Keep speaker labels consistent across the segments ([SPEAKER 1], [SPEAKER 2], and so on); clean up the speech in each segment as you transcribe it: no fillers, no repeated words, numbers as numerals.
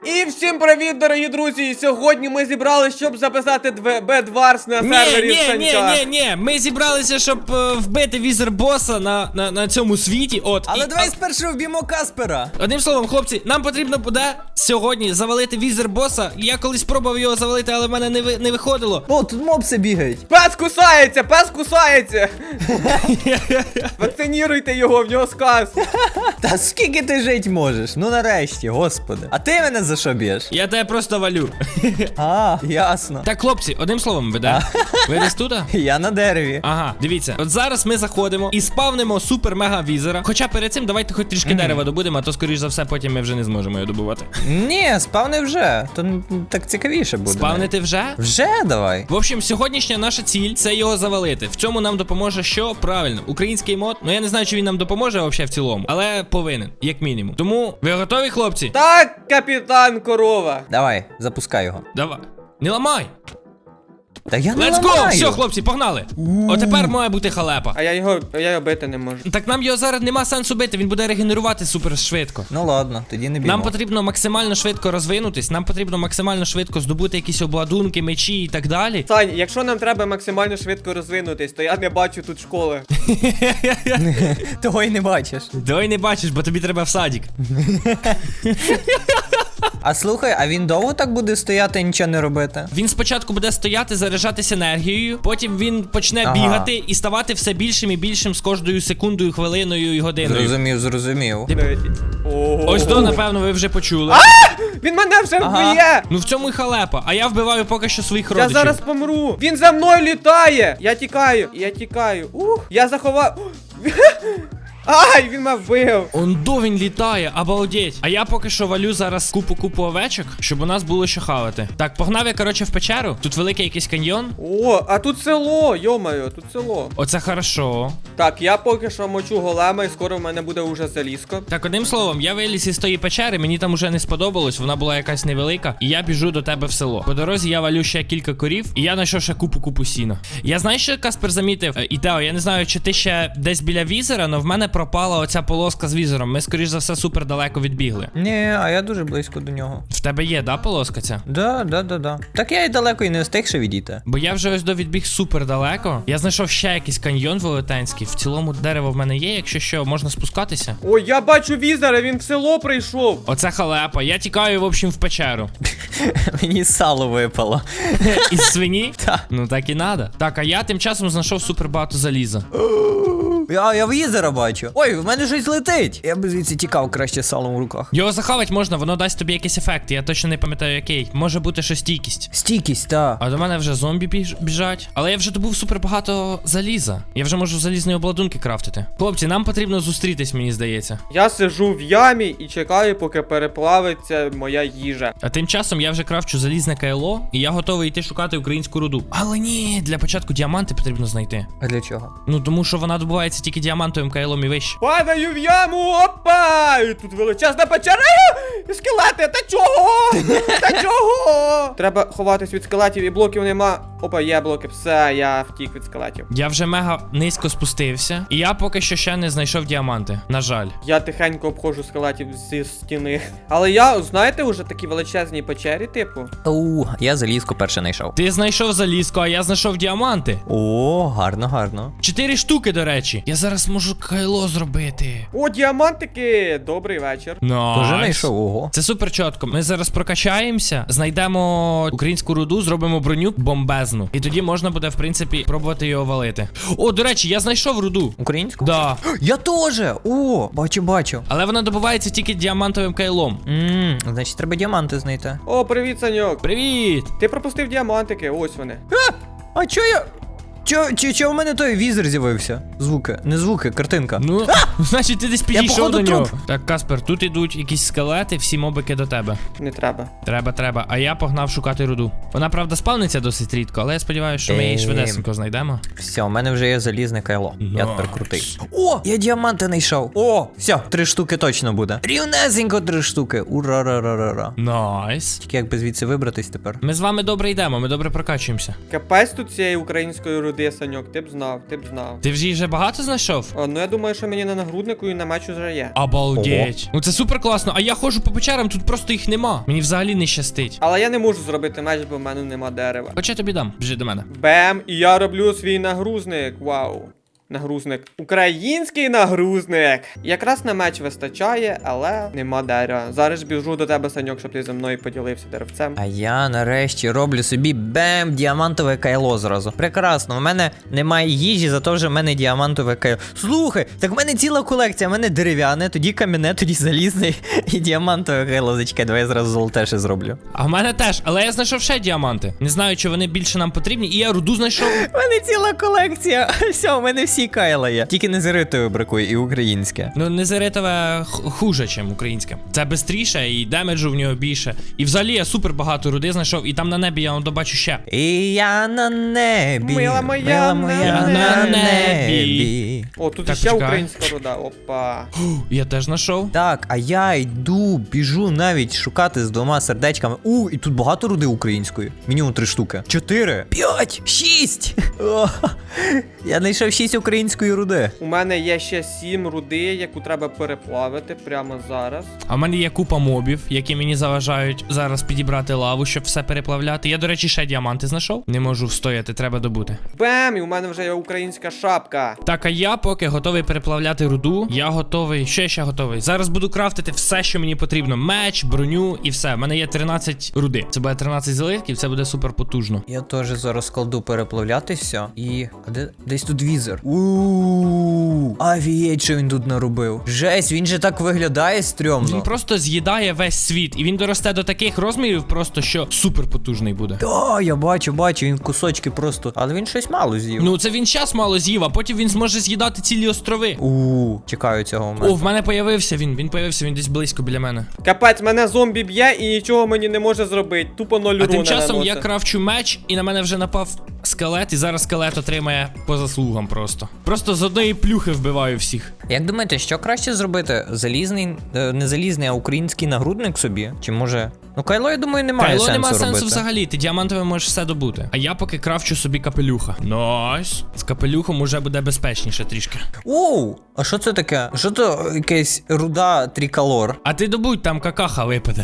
[SPEAKER 1] І всім привіт, дорогі друзі! Сьогодні ми зібралися, щоб записати Bedwars на сервері Санька.
[SPEAKER 2] Ні, ми зібралися, щоб вбити візер-боса на цьому світі.
[SPEAKER 3] Але давай спершу вб'ємо Каспера.
[SPEAKER 2] Одним словом, хлопці, нам потрібно буде сьогодні завалити візер-боса. Я колись пробував його завалити, але в мене не виходило.
[SPEAKER 3] О, тут мопси бігають.
[SPEAKER 1] Пес кусається, пес кусається! Вакциніруйте його, в нього сказ.
[SPEAKER 3] Та скільки ти жить можеш? Ну нарешті, господи. А ти мене за що б'єш?
[SPEAKER 2] Я тебе просто валю.
[SPEAKER 3] А, ясно.
[SPEAKER 2] Так, хлопці, одним словом, ви де? Ви десь тут?
[SPEAKER 3] Я на дереві.
[SPEAKER 2] Ага, дивіться, от зараз ми заходимо і спавнимо супер-мега-візера. Хоча перед цим давайте хоч трішки дерева добудемо, а то, скоріш за все, потім ми вже не зможемо його добувати.
[SPEAKER 3] Ні, спавни вже. То так цікавіше буде.
[SPEAKER 2] Спавнити вже?
[SPEAKER 3] Вже давай.
[SPEAKER 2] В общем, сьогоднішня наша ціль – це його завалити. В цьому нам допоможе що? Правильно, український мод. Ну я не знаю, чи він нам допоможе взагалі в цілому, але повинен, як мінімум. Тому, ви готові, хлопці?
[SPEAKER 1] Так, капітан Корова.
[SPEAKER 3] Давай, запускай його.
[SPEAKER 2] Давай. Не ламай!
[SPEAKER 3] Та я не
[SPEAKER 2] Let's go!
[SPEAKER 3] ламаю.
[SPEAKER 2] Все, хлопці, погнали! Отепер має бути халепа.
[SPEAKER 1] А я його бити не можу.
[SPEAKER 2] Так нам його зараз нема сенсу бити, він буде регенерувати супер швидко.
[SPEAKER 3] Ну ладно, тоді не б'ємо.
[SPEAKER 2] Нам потрібно максимально швидко розвинутись, нам потрібно максимально швидко здобути якісь обладунки, мечі і так далі.
[SPEAKER 1] Сань, якщо нам треба максимально швидко розвинутись, то я не бачу тут школи.
[SPEAKER 3] Того й не бачиш.
[SPEAKER 2] Давай не бачиш, бо тобі треба в садик.
[SPEAKER 3] А слухай, а він довго так буде стояти і нічого не робити?
[SPEAKER 2] Він спочатку буде стояти, заряджатися енергією, потім він почне бігати і ставати все більшим і більшим з кожною секундою, хвилиною і годиною.
[SPEAKER 3] Зрозумів.
[SPEAKER 2] Ось то, напевно, ви вже почули.
[SPEAKER 1] Він мене вже вб'є!
[SPEAKER 2] Ну в цьому й халепа, а я вбиваю поки що своїх
[SPEAKER 1] Я
[SPEAKER 2] родичів.
[SPEAKER 1] зараз помру! Він за мною літає! Я тікаю. Я заховав. Ай, він мене вбив!
[SPEAKER 2] Ондо він літає, обалдеть. А я поки що валю зараз купу овечок, щоб у нас було що хавати. Так, погнав я, коротше, в печеру. Тут великий якийсь каньйон.
[SPEAKER 1] О, а тут село, йо-моє, тут село.
[SPEAKER 2] Оце хорошо.
[SPEAKER 1] Так, я поки що мочу голема і скоро в мене буде уже залізко.
[SPEAKER 2] Так, одним словом, я виліз із тої печери, мені там уже не сподобалось, вона була якась невелика, і я біжу до тебе в село. По дорозі я валю ще кілька корів, і я знайшов ще купу сіна. Я знаю, що Каспер замітив, і Тео, я не знаю, чи ти ще десь біля візера, але в мене пропала оця полоска з візером. Ми, скоріш за все, супер далеко відбігли.
[SPEAKER 3] Ні, а я дуже близько до нього.
[SPEAKER 2] В тебе є, да, полоска ця?
[SPEAKER 3] Да. Так я й далеко і не встиг ще відійти.
[SPEAKER 2] Бо я вже ось відбіг супер далеко. Я знайшов ще якийсь каньйон велетенський. В цілому дерево в мене є, якщо що, можна спускатися.
[SPEAKER 1] Ой, я бачу візера, він в село прийшов.
[SPEAKER 2] Оце халепа. Я тікаю, в общем, в печеру.
[SPEAKER 3] Мені сало випало.
[SPEAKER 2] Із свині?
[SPEAKER 3] Так.
[SPEAKER 2] Ну так і надо. Так, а я тим часом знайшов супер багато заліза.
[SPEAKER 3] Я візера бачу. Ой, в мене щось летить. Я б звідси тікав краще салом в руках.
[SPEAKER 2] Його захавати можна, воно дасть тобі якийсь ефект. Я точно не пам'ятаю який. Може бути що стійкість.
[SPEAKER 3] Стійкість, та.
[SPEAKER 2] А до мене вже зомбі біжать. Але я вже добув супер багато заліза. Я вже можу залізні обладунки крафтити. Хлопці, нам потрібно зустрітись, мені здається.
[SPEAKER 1] Я сижу в ямі і чекаю, поки переплавиться моя їжа.
[SPEAKER 2] А тим часом я вже крафчу залізне кайло, і я готовий йти шукати українську руду. Але ні, для початку діаманти потрібно знайти.
[SPEAKER 3] А для чого?
[SPEAKER 2] Ну тому що вона добувається тільки діамантовим кайлом і вище.
[SPEAKER 1] Падаю в яму, опа! І тут величезна печера. Скелети, та чого? Та чого? Треба ховатись від скелетів і блоків нема. Опа, є блоки, все, я втік від скелетів.
[SPEAKER 2] Я вже мега низько спустився, і я поки що ще не знайшов діаманти. На жаль.
[SPEAKER 1] Я тихенько обходжу скелетів зі стіни. Але я, знаєте, уже такі величезні печері, типу.
[SPEAKER 3] Я залізку перше знайшов.
[SPEAKER 2] Ти знайшов залізку, а я знайшов діаманти.
[SPEAKER 3] О, гарно.
[SPEAKER 2] 4 штуки, до речі. Я зараз можу кайло зробити.
[SPEAKER 1] О, діамантики! Добрий вечір.
[SPEAKER 3] Тоже знайшов, ого.
[SPEAKER 2] Це супер чітко. Ми зараз прокачаємося, знайдемо українську руду, зробимо броню бомбезну. І тоді можна буде, в принципі, пробувати його валити. О, до речі, я знайшов руду.
[SPEAKER 3] Українську?
[SPEAKER 2] Да.
[SPEAKER 3] Я теж! О, бачу.
[SPEAKER 2] Але вона добувається тільки діамантовим кайлом.
[SPEAKER 3] Значить, треба діаманти знайти.
[SPEAKER 1] О, привіт, Саньок.
[SPEAKER 2] Привіт!
[SPEAKER 1] Ти пропустив діамантики, ось вони.
[SPEAKER 3] А чо я... Чо в мене той візер з'явився? Звуки. Не звуки, картинка.
[SPEAKER 2] Ну, значить, ти десь підійшов
[SPEAKER 3] походу
[SPEAKER 2] до нього.
[SPEAKER 3] труп.
[SPEAKER 2] Так, Каспер, тут ідуть якісь скелети, всі мобики до тебе.
[SPEAKER 1] Не треба.
[SPEAKER 2] Треба. А я погнав шукати руду. Вона, правда, спавниться досить рідко, але я сподіваюся, що ми її швидесенько знайдемо.
[SPEAKER 3] Все, у мене вже є залізне кайло. Я тепер
[SPEAKER 2] Найс.
[SPEAKER 3] крутий. О, я діаманти знайшов. О, все, 3 штуки точно буде. Рівнесенько 3 штуки. Ура-ра-ра-ра-ра.
[SPEAKER 2] Найс.
[SPEAKER 3] Тільки якби звідси вибратись тепер.
[SPEAKER 2] Ми з вами добре йдемо, ми добре прокачуємося.
[SPEAKER 1] Капець тут цієї української руди, Саньок, ти б знав.
[SPEAKER 2] Ти вже її вже багато знайшов?
[SPEAKER 1] Ну я думаю, що мені на нагруднику і на мечу вже є.
[SPEAKER 2] Обалдеть. Ну це супер класно. А я ходжу по печерам, тут просто їх нема. Мені взагалі не щастить.
[SPEAKER 1] Але я не можу зробити меч, бо в мене нема дерева.
[SPEAKER 2] Хоча я тобі дам, біжи до мене.
[SPEAKER 1] Бем, і я роблю свій нагрузник. Вау. Нагрузник. Український нагрузник. Якраз на меч вистачає, але нема дерева. Зараз біжу до тебе, Саньок, щоб ти зі мною поділився деревцем.
[SPEAKER 3] А я нарешті роблю собі бем, діамантове кайло зразу. Прекрасно, у мене немає їжі, зато вже в мене діамантове кайло. Слухай, так в мене ціла колекція, в мене дерев'яне, тоді кам'яне, тоді залізне і діамантове кайло. Зачекай, давай я зразу золоте ще зроблю.
[SPEAKER 2] А в мене теж, але я знайшов ще діаманти. Не знаю, чи вони більше нам потрібні, і я руду знайшов.
[SPEAKER 3] У мене ціла колекція. Все, у мене всі кайла є. Тільки незеритове бракує і українське.
[SPEAKER 2] Ну, незеритове хуже, ніж українське. Це бистріше і демеджу в нього більше. І взагалі я супер багато руди знайшов, і там на небі я добачу ще.
[SPEAKER 3] І я на небі.
[SPEAKER 1] Мила моя
[SPEAKER 2] на небі.
[SPEAKER 1] О, тут
[SPEAKER 2] Так,
[SPEAKER 1] ще
[SPEAKER 2] почекай.
[SPEAKER 1] українська руда. Опа.
[SPEAKER 2] Я теж знайшов.
[SPEAKER 3] Так, а я йду, біжу навіть шукати з 2 сердечками. І тут багато руди української. Мінімум 3 штуки. 4, 5, 6. Я знайшов 6 української руди.
[SPEAKER 1] У мене є ще 7 руди, яку треба переплавити прямо зараз.
[SPEAKER 2] А в мене є купа мобів, які мені заважають зараз підібрати лаву, щоб все переплавляти. Я, до речі, ще діаманти знайшов. Не можу встояти, треба добути.
[SPEAKER 1] Бем! І у мене вже є українська шапка.
[SPEAKER 2] Так, а я поки готовий переплавляти руду. Я готовий. Що я ще готовий? Зараз буду крафтити все, що мені потрібно. Меч, броню і все. У мене є 13 руди. Це буде 13 злитків, це буде супер потужно.
[SPEAKER 3] Я теж зараз кладу переплавляти все. І. А де? Десь тут візер. Авієть, що він тут наробив. Жесть, він же так виглядає стрьомно.
[SPEAKER 2] Він просто з'їдає весь світ. І він доросте до таких розмірів, просто що супер потужний буде.
[SPEAKER 3] Та, я бачу, він кусочки просто. Але він щось мало з'їв.
[SPEAKER 2] Ну, це він час мало з'їв, а потім він зможе з'їдати цілі острови.
[SPEAKER 3] Чекаю цього
[SPEAKER 2] О,
[SPEAKER 3] моменту.
[SPEAKER 2] в мене появився він. Він появився, він десь близько біля мене.
[SPEAKER 1] Капець, мене зомбі б'є і нічого мені не може зробити. Тупо 0
[SPEAKER 2] А
[SPEAKER 1] руни
[SPEAKER 2] тим часом я
[SPEAKER 1] наносить.
[SPEAKER 2] крафчу меч, і на мене вже напав скелет, і зараз скелет отримає по заслугам просто. Просто з одної плюхи вбиваю всіх.
[SPEAKER 3] Як думаєте, що краще зробити? Залізний, не залізний, а український нагрудник собі? Чи може. Ну, кайло, я думаю, немає
[SPEAKER 2] Кайло
[SPEAKER 3] сенсу
[SPEAKER 2] нема
[SPEAKER 3] робити.
[SPEAKER 2] сенсу взагалі, ти діамантовим можеш все добути. А я поки крафчу собі капелюха. Найс. З капелюхом уже буде безпечніше трішки.
[SPEAKER 3] А що це таке? Що то якась руда триколор?
[SPEAKER 2] А ти добудь, там какаха випаде.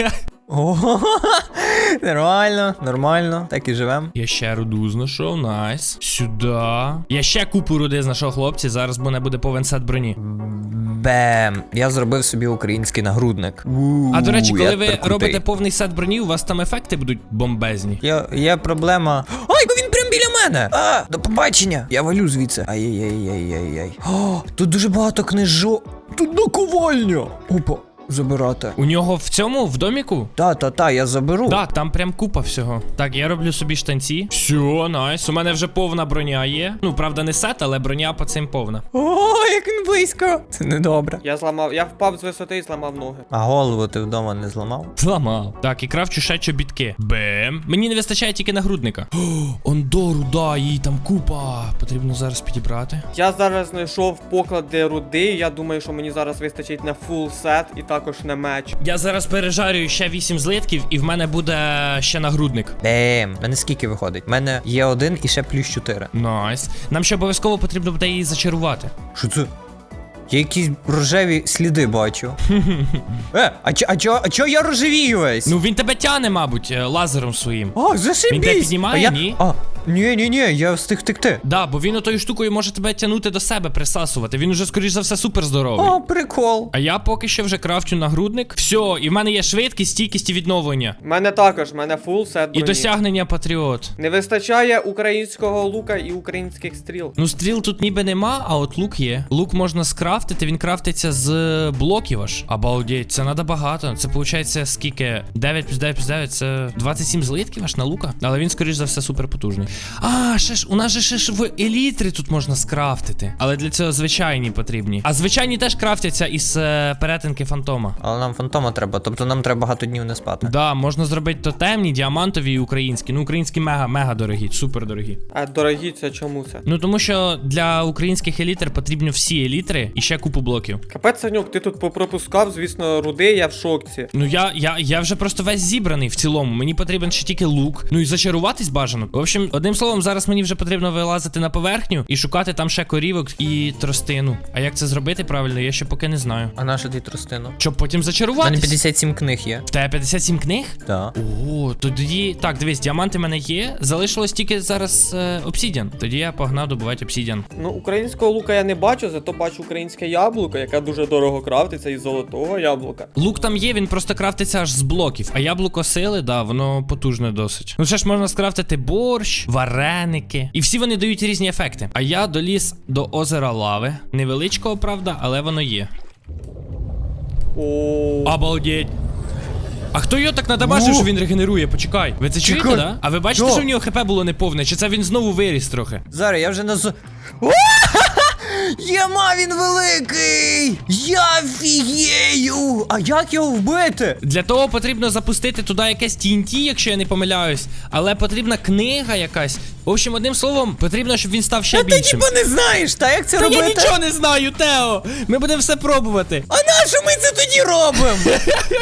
[SPEAKER 3] Нормально, так і живем.
[SPEAKER 2] Я ще руду знайшов, найс. Сюди. Я ще купу руди знайшов, хлопці, зараз мене буде повен сет броні.
[SPEAKER 3] Бем! Я зробив собі український нагрудник.
[SPEAKER 2] А до речі, коли
[SPEAKER 3] я
[SPEAKER 2] ви
[SPEAKER 3] тепер крутий.
[SPEAKER 2] робите повний сет броні, у вас там ефекти будуть бомбезні.
[SPEAKER 3] Є проблема. Ой, він прям біля мене! До побачення! Я валю звідси. Ай-яй-яй-яй-яй. Тут дуже багато книжок. Тут наковальня! Опа, забирати.
[SPEAKER 2] У нього в цьому, в доміку?
[SPEAKER 3] Та, я заберу.
[SPEAKER 2] Так, там прям купа всього. Так, я роблю собі штанці. Все, найс. У мене вже повна броня є. Ну, правда, не сет, але броня по цим повна.
[SPEAKER 3] Як він близько. Це недобре.
[SPEAKER 1] Я впав з висоти і зламав ноги.
[SPEAKER 3] А голову ти вдома не зламав?
[SPEAKER 2] Зламав. Так, і крафчу ще чобітки. Бем. Мені не вистачає тільки нагрудника. Ондору, да, їй там купа. Потрібно зараз підібрати.
[SPEAKER 1] Я зараз знайшов поклади руди, я думаю, що мені зараз вистачить на фул сет і також на меч.
[SPEAKER 2] Я зараз пережарюю ще 8 злитків, і в мене буде ще нагрудник.
[SPEAKER 3] Бем, мене скільки виходить? У мене є 1 і ще плюс 4.
[SPEAKER 2] Найс. Нам ще обов'язково потрібно буде її зачарувати.
[SPEAKER 3] Що це? Я якісь рожеві сліди бачу. А чо я рожевію весь?
[SPEAKER 2] Ну він тебе тяне, мабуть, лазером своїм.
[SPEAKER 3] Зашибісь!
[SPEAKER 2] Він тебе піднімає, ні?
[SPEAKER 3] Ні, я встиг втекти.
[SPEAKER 2] Да, бо він отою штукою може тебе тягнути до себе, присасувати. Він уже, скоріш за все, супер здоровий.
[SPEAKER 3] Прикол.
[SPEAKER 2] А я поки що вже крафчу нагрудник. Все, і в мене є швидкість, стійкість і відновлення.
[SPEAKER 1] У мене також, в мене фул сет
[SPEAKER 2] І
[SPEAKER 1] броні.
[SPEAKER 2] досягнення патріот.
[SPEAKER 1] Не вистачає українського лука і українських стріл.
[SPEAKER 2] Ну, стріл тут ніби нема, а от лук є. Лук можна скрафтити, він крафтиться з блоків аж. Обалдеть, це надо багато. Це виходить скільки? 9 плюс 9 плюс 9, це 27 злитків аж на лука. Але він, скоріш за все, супер потужний. Ще ж, у нас же ще ж в елітри тут можна скрафтити. Але для цього звичайні потрібні. А звичайні теж крафтяться із перетинки фантома.
[SPEAKER 3] Але нам фантома треба, тобто нам треба багато днів не спати.
[SPEAKER 2] Да, можна зробити тотемні, діамантові і українські. Ну, українські мега дорогі, супер дорогі.
[SPEAKER 1] А дорогі, це чому це?
[SPEAKER 2] Ну, тому що для українських елітр потрібно всі елітри і ще купу блоків.
[SPEAKER 1] Капець, Санюк, ти тут попропускав, звісно, руди, я в шоці.
[SPEAKER 2] Ну, я вже просто весь зібраний в цілому. Мені потрібен ще тільки лук. Ну і зачаруватись бажано. В общем, Одним словом, зараз мені вже потрібно вилазити на поверхню і шукати там ще корівок і тростину. А як це зробити правильно, я ще поки не знаю.
[SPEAKER 3] А на що ти тростину?
[SPEAKER 2] Щоб потім
[SPEAKER 3] У мене
[SPEAKER 2] зачаруватись.
[SPEAKER 3] 57 книг є.
[SPEAKER 2] В тебе 57 книг?
[SPEAKER 3] Так.
[SPEAKER 2] О, то тоді. Так, дивись, діаманти в мене є. Залишилось тільки зараз обсідіан. Тоді я погнав добувати обсідіан.
[SPEAKER 1] Ну, українського лука я не бачу, зато бачу українське яблуко, яке дуже дорого крафтиться із золотого яблука.
[SPEAKER 2] Лук там є, він просто крафтиться аж з блоків. А яблуко сили, да, воно потужне досить. Ну ще ж можна скрафтити борщ, вареники. І всі вони дають різні ефекти. А я доліз до озера лави. Невеличкого, правда, але воно є.
[SPEAKER 1] О,
[SPEAKER 2] Обалдеть. А хто його так надамажив, що він регенерує? Почекай. Ви це чуєте,
[SPEAKER 3] Чекай.
[SPEAKER 2] да? А ви бачите,
[SPEAKER 3] Да.
[SPEAKER 2] що в нього хп було неповне? Чи це він знову виріс трохи?
[SPEAKER 3] Зараз я вже Єма, він великий! Я фігею! А як його вбити?
[SPEAKER 2] Для того потрібно запустити туди якесь TNT, якщо я не помиляюсь. Але потрібна книга якась. В общем, одним словом, потрібно, щоб він став ще
[SPEAKER 3] Ти
[SPEAKER 2] більшим.
[SPEAKER 3] типа не знаєш, та як це
[SPEAKER 2] Та
[SPEAKER 3] робити?
[SPEAKER 2] я нічого не знаю, Тео! Ми будемо все пробувати.
[SPEAKER 3] А на що ми це тоді робимо?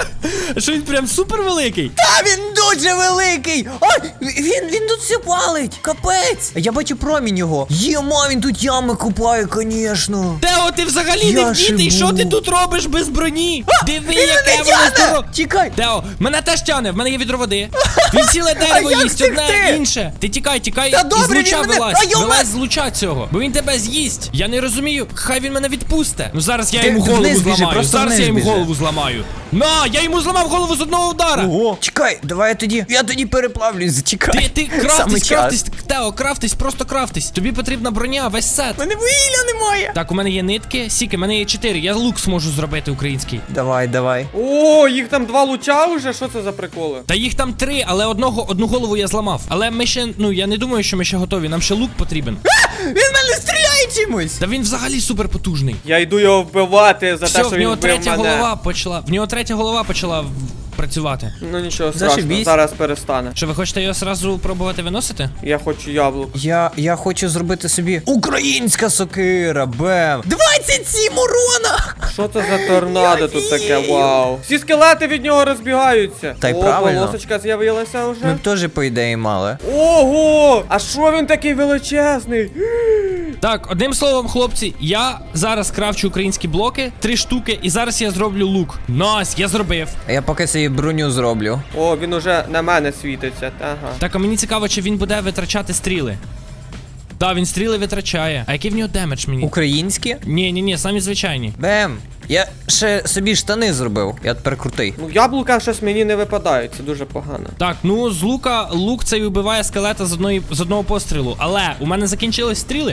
[SPEAKER 2] Що він прям супер великий?
[SPEAKER 3] Та він дуже великий! Ой, він тут все палить! Капець! Я бачу промінь його. Єма, він тут ями купає, конечно.
[SPEAKER 2] Тео, ти взагалі
[SPEAKER 3] Я
[SPEAKER 2] не вдітий,
[SPEAKER 3] шибу.
[SPEAKER 2] що ти тут робиш без броні? Диви,
[SPEAKER 3] Він
[SPEAKER 2] яке
[SPEAKER 3] мене
[SPEAKER 2] воно
[SPEAKER 3] тяне!
[SPEAKER 2] здорове.
[SPEAKER 3] Тікай!
[SPEAKER 2] Тео, мене теж тяне, в мене є відро води. Він ціле дерево
[SPEAKER 3] як
[SPEAKER 2] їсть, одне
[SPEAKER 3] втекти?
[SPEAKER 2] інше. Ти тікай,
[SPEAKER 3] Та
[SPEAKER 2] і
[SPEAKER 3] добре,
[SPEAKER 2] з луча
[SPEAKER 3] він мене-
[SPEAKER 2] вилазь.
[SPEAKER 3] А, йома!
[SPEAKER 2] Вилазь з луча цього, бо він тебе з'їсть. Я не розумію, хай він мене відпусте. Ну зараз я
[SPEAKER 3] Ти
[SPEAKER 2] йому голову
[SPEAKER 3] вниз біжи,
[SPEAKER 2] зламаю,
[SPEAKER 3] просто
[SPEAKER 2] зараз
[SPEAKER 3] вниз
[SPEAKER 2] я йому
[SPEAKER 3] біжи.
[SPEAKER 2] голову зламаю. На, я йому зламав голову з одного удара.
[SPEAKER 3] Ого. Чекай, давай я тоді переплавлюсь, зачекай.
[SPEAKER 2] Ти
[SPEAKER 3] Саме
[SPEAKER 2] крафтись,
[SPEAKER 3] час.
[SPEAKER 2] крафтись, Тео, крафтись, просто крафтись. Тобі потрібна броня, весь сет.
[SPEAKER 3] Мене вугілля немає.
[SPEAKER 2] Так, у мене є нитки, сіки, у мене є 4, я лук зможу зробити український.
[SPEAKER 3] Давай.
[SPEAKER 1] О, їх там 2 луча вже, що це за приколи?
[SPEAKER 2] Та їх там 3, але одну голову я зламав. Але ми ще, ну я не думаю, що ми ще готові, нам ще лук потрібен.
[SPEAKER 3] Він мене стріляє чимось.
[SPEAKER 2] Та він взагалі супер потужний.
[SPEAKER 1] Я йду його вбивати за
[SPEAKER 2] Все,
[SPEAKER 1] те, що
[SPEAKER 2] в
[SPEAKER 1] він
[SPEAKER 2] нього
[SPEAKER 1] вбив
[SPEAKER 2] третя
[SPEAKER 1] мене.
[SPEAKER 2] голова почала. В нього третя голова почала працювати.
[SPEAKER 1] Ну нічого страшного,
[SPEAKER 3] Зашибісь.
[SPEAKER 1] зараз перестане.
[SPEAKER 2] Що ви хочете його сразу пробувати виносити?
[SPEAKER 1] Я хочу яблук.
[SPEAKER 3] Я хочу зробити собі українська сокира, бем. 27 урона!
[SPEAKER 1] Що це за торнадо тут таке? Вау. Всі скелети від нього розбігаються.
[SPEAKER 3] Та й
[SPEAKER 1] О,
[SPEAKER 3] правильно.
[SPEAKER 1] полосочка з'явилася
[SPEAKER 3] Ми
[SPEAKER 1] вже.
[SPEAKER 3] б теж, по ідеї, мали.
[SPEAKER 1] Ого! А що він такий величезний?
[SPEAKER 2] Так, одним словом, хлопці, я зараз крафчу українські блоки, 3 штуки, і зараз я зроблю лук. Найс, я зробив.
[SPEAKER 3] А я поки собі броню зроблю.
[SPEAKER 1] О, він уже на мене світиться. Ага.
[SPEAKER 2] Так, а мені цікаво, чи він буде витрачати стріли. Так, він стріли витрачає. А який в нього демедж мені?
[SPEAKER 3] Українські?
[SPEAKER 2] Ні, самі звичайні.
[SPEAKER 3] Бем. Я ще собі штани зробив. Я тепер крутий.
[SPEAKER 1] Ну, яблука щось мені не випадають, це дуже погано.
[SPEAKER 2] Так, ну з лука лук цей вбиває скелета з одного пострілу. Але у мене закінчились стріли.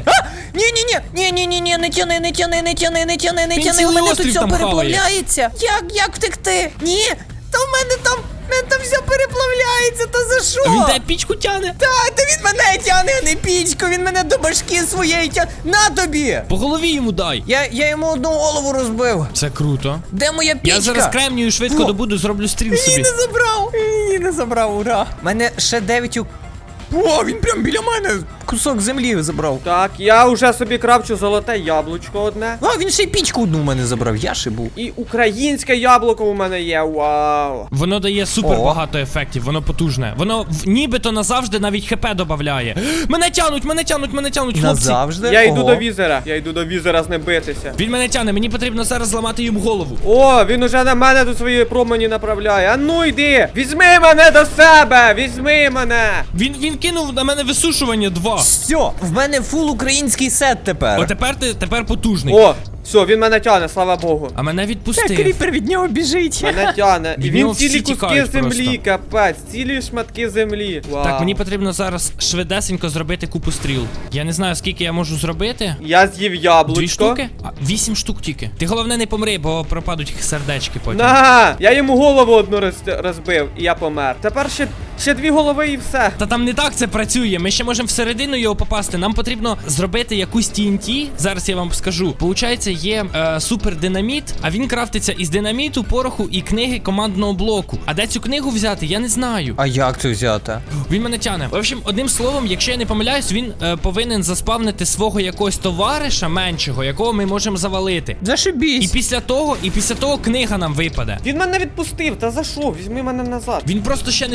[SPEAKER 3] Ні, не тяни.
[SPEAKER 2] Він
[SPEAKER 3] У
[SPEAKER 2] цілий
[SPEAKER 3] мене тут
[SPEAKER 2] острів
[SPEAKER 3] все
[SPEAKER 2] там хаває.
[SPEAKER 3] переплавляється. Як втекти? Ні. Та в мене там все переплавляється, та за що?
[SPEAKER 2] А він тебе пічку тяне.
[SPEAKER 3] Та він мене тяне, а не пічку, він мене до башки своєї тяне. На тобі!
[SPEAKER 2] По голові йому дай.
[SPEAKER 3] Я йому одну голову розбив.
[SPEAKER 2] Це круто.
[SPEAKER 3] Де моя пічка?
[SPEAKER 2] Я зараз кремнію швидко
[SPEAKER 3] Во.
[SPEAKER 2] добуду, зроблю стріл собі.
[SPEAKER 3] Її не забрав, ура. У мене ще 9 О, він прям біля мене кусок землі забрав.
[SPEAKER 1] Так, я вже собі крафчу золоте яблучко одне.
[SPEAKER 3] А, він ще й пічку одну в мене забрав, я шибу.
[SPEAKER 1] І українське яблуко у мене є. Вау.
[SPEAKER 2] Воно дає супер
[SPEAKER 3] О.
[SPEAKER 2] багато ефектів, воно потужне. Воно нібито назавжди навіть хп додає. Мене тянуть, хлопці.
[SPEAKER 3] Назавжди?
[SPEAKER 1] Я йду
[SPEAKER 3] Ого.
[SPEAKER 1] до візера з ним битися.
[SPEAKER 2] Він мене тяне, мені потрібно зараз зламати йому голову.
[SPEAKER 1] О, він уже на мене тут свої промені направляє. А ну йди! Візьми мене до себе! Візьми мене!
[SPEAKER 2] Він кинув на мене висушування 2.
[SPEAKER 3] Все, в мене фул український сет тепер.
[SPEAKER 2] О, тепер потужний.
[SPEAKER 1] О, все, він мене тяне, слава Богу.
[SPEAKER 2] А мене відпустив.
[SPEAKER 3] від нього біжить.
[SPEAKER 1] Мене тяне. І
[SPEAKER 2] Від
[SPEAKER 1] він
[SPEAKER 2] нього всі
[SPEAKER 1] цілі куски
[SPEAKER 2] тікають
[SPEAKER 1] землі,
[SPEAKER 2] просто.
[SPEAKER 1] капець, цілі шматки землі. Вау.
[SPEAKER 2] Так, мені потрібно зараз швидесенько зробити купу стріл. Я не знаю, скільки я можу зробити.
[SPEAKER 1] Я з'їв
[SPEAKER 2] 2
[SPEAKER 1] яблучко.
[SPEAKER 2] штуки? 8 штук тільки. Ти головне не помри, бо пропадуть сердечки потім.
[SPEAKER 1] На, я йому голову одну розбив, і я помер. Тепер ще 2 голови і все.
[SPEAKER 2] Та там не так це працює. Ми ще можемо всередину його попасти. Нам потрібно зробити якусь TNT. Зараз я вам скажу. Получається, є супер динаміт, а він крафтиться із динаміту, пороху і книги командного блоку. А де цю книгу взяти, я не знаю.
[SPEAKER 3] А як це взяти?
[SPEAKER 2] Він мене тяне. В общем, одним словом, якщо я не помиляюсь, він повинен заспавнити свого якогось товариша меншого, якого ми можемо завалити. І
[SPEAKER 3] Зашибісь.
[SPEAKER 2] після того книга нам випаде.
[SPEAKER 1] Він мене відпустив, та за що? Візьми мене назад.
[SPEAKER 2] Він просто ще не супер здоровий.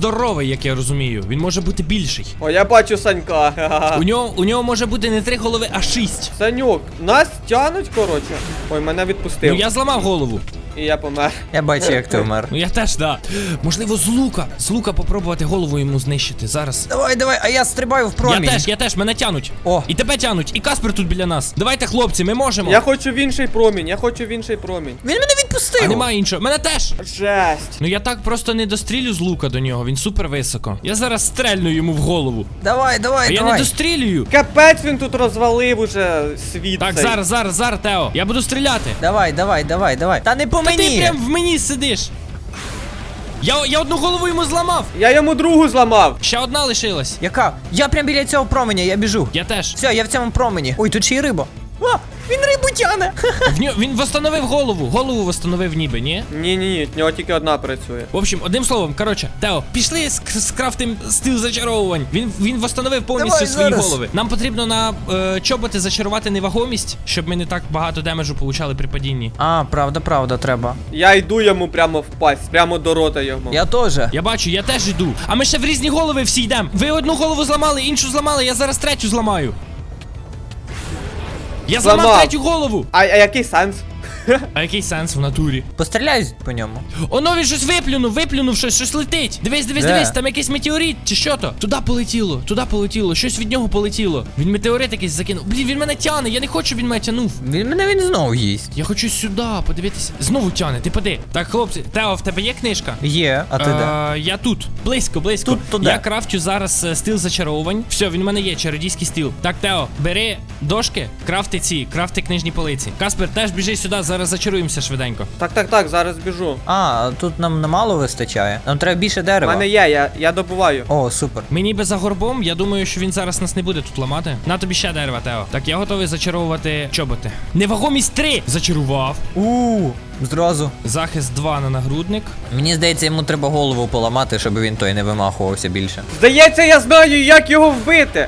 [SPEAKER 2] здоровий, як я розумію. Він може бути більший.
[SPEAKER 1] О, я бачу Санька. Ха-ха-ха.
[SPEAKER 2] У нього може бути не 3 голови, а 6.
[SPEAKER 1] Санюк, нас тянуть, коротше. Ой, мене відпустив.
[SPEAKER 2] Ну я зламав голову.
[SPEAKER 1] І я помер.
[SPEAKER 3] Я бачу, як ти вмер.
[SPEAKER 2] Ну я теж, да. Можливо, з лука попробувати голову йому знищити. Зараз.
[SPEAKER 3] Давай, давай, а я стрибаю в промінь.
[SPEAKER 2] Я теж, мене тянуть.
[SPEAKER 3] О.
[SPEAKER 2] І тебе тянуть, і Каспер тут біля нас. Давайте, хлопці, ми можемо.
[SPEAKER 1] Я хочу в інший промінь, я хочу в інший промінь.
[SPEAKER 3] Він мене відпустив.
[SPEAKER 2] А немає іншого. Мене теж.
[SPEAKER 1] Жесть.
[SPEAKER 2] Ну я так просто не дострілю з лука до нього, він супер високо. Я зараз стрельну йому в голову.
[SPEAKER 3] Давай,
[SPEAKER 2] А
[SPEAKER 3] давай,
[SPEAKER 2] я не
[SPEAKER 3] давай.
[SPEAKER 2] дострілюю.
[SPEAKER 1] Капець він тут розвалив уже світ.
[SPEAKER 2] Так,
[SPEAKER 1] цей.
[SPEAKER 2] зараз, Тео. Я буду стріляти.
[SPEAKER 3] Давай, давай, давай, давай. Та не по
[SPEAKER 2] Та ти
[SPEAKER 3] мені.
[SPEAKER 2] прям в мені сидиш. Я одну голову йому зламав.
[SPEAKER 1] Я йому другу зламав.
[SPEAKER 2] Ще одна лишилась.
[SPEAKER 3] Яка? Я прям біля цього променя, я біжу.
[SPEAKER 2] Я теж.
[SPEAKER 3] Все, я в цьому промені. Ой, тут ще й риба. А, він рибу тяне.
[SPEAKER 2] Він восстановив голову. Голову восстановив ніби, ні?
[SPEAKER 1] Ні, в нього тільки одна працює.
[SPEAKER 2] В общем, одним словом, коротше, Тео, пішли скрафтим стил зачаровувань. Він восстановив повністю
[SPEAKER 3] Давай
[SPEAKER 2] свої
[SPEAKER 3] зараз.
[SPEAKER 2] голови. Нам потрібно на чоботи зачарувати невагомість, щоб ми не так багато демеджу получали при падінні.
[SPEAKER 3] А, правда, треба.
[SPEAKER 1] Я йду йому прямо в пасть, прямо до рота йому.
[SPEAKER 3] Я теж.
[SPEAKER 2] Я бачу, я теж йду. А ми ще в різні голови всі йдемо. Ви одну голову зламали, іншу зламали, я зараз третю зламаю. Я зламав
[SPEAKER 1] Зламав.
[SPEAKER 2] третю голову.
[SPEAKER 1] А який сенс?
[SPEAKER 2] А який сенс в натурі?
[SPEAKER 3] Постріляй по ньому.
[SPEAKER 2] Оно він щось виплюнув щось летить. Дивись,
[SPEAKER 3] Де?
[SPEAKER 2] там якийсь метеорит, чи що то? Туди полетіло, щось від нього полетіло. Він метеорит якийсь закинув. Блін, він мене тяне, я не хочу, щоб він мене тянув.
[SPEAKER 3] Він знову їсть.
[SPEAKER 2] Я хочу сюди подивитися. Знову тяне, ти поди. Так, хлопці, Тео, в тебе є книжка?
[SPEAKER 3] Є, а ти де?
[SPEAKER 2] Я тут, близько.
[SPEAKER 3] Тут туди.
[SPEAKER 2] Я крафтю зараз стил зачаровувань. Все, він у мене є, чародійський стил. Так, Тео, бери дошки, крафти книжні полиці. Каспер, теж біжи сюди, зараз зачаруємося швиденько.
[SPEAKER 1] Так, зараз біжу.
[SPEAKER 3] А, тут нам немало вистачає. Нам треба більше
[SPEAKER 1] У
[SPEAKER 3] дерева.
[SPEAKER 1] мене є, я добуваю.
[SPEAKER 3] О, супер.
[SPEAKER 2] Ми ніби за горбом, я думаю, що він зараз нас не буде тут ламати. На тобі ще дерева, Тео. Так, я готовий зачаровувати чоботи. Невагомість 3! Зачарував.
[SPEAKER 3] Зразу.
[SPEAKER 2] Захист 2 на нагрудник.
[SPEAKER 3] Мені здається, йому треба голову поламати, щоб він той не вимахувався більше.
[SPEAKER 1] Здається, я знаю, як його вбити.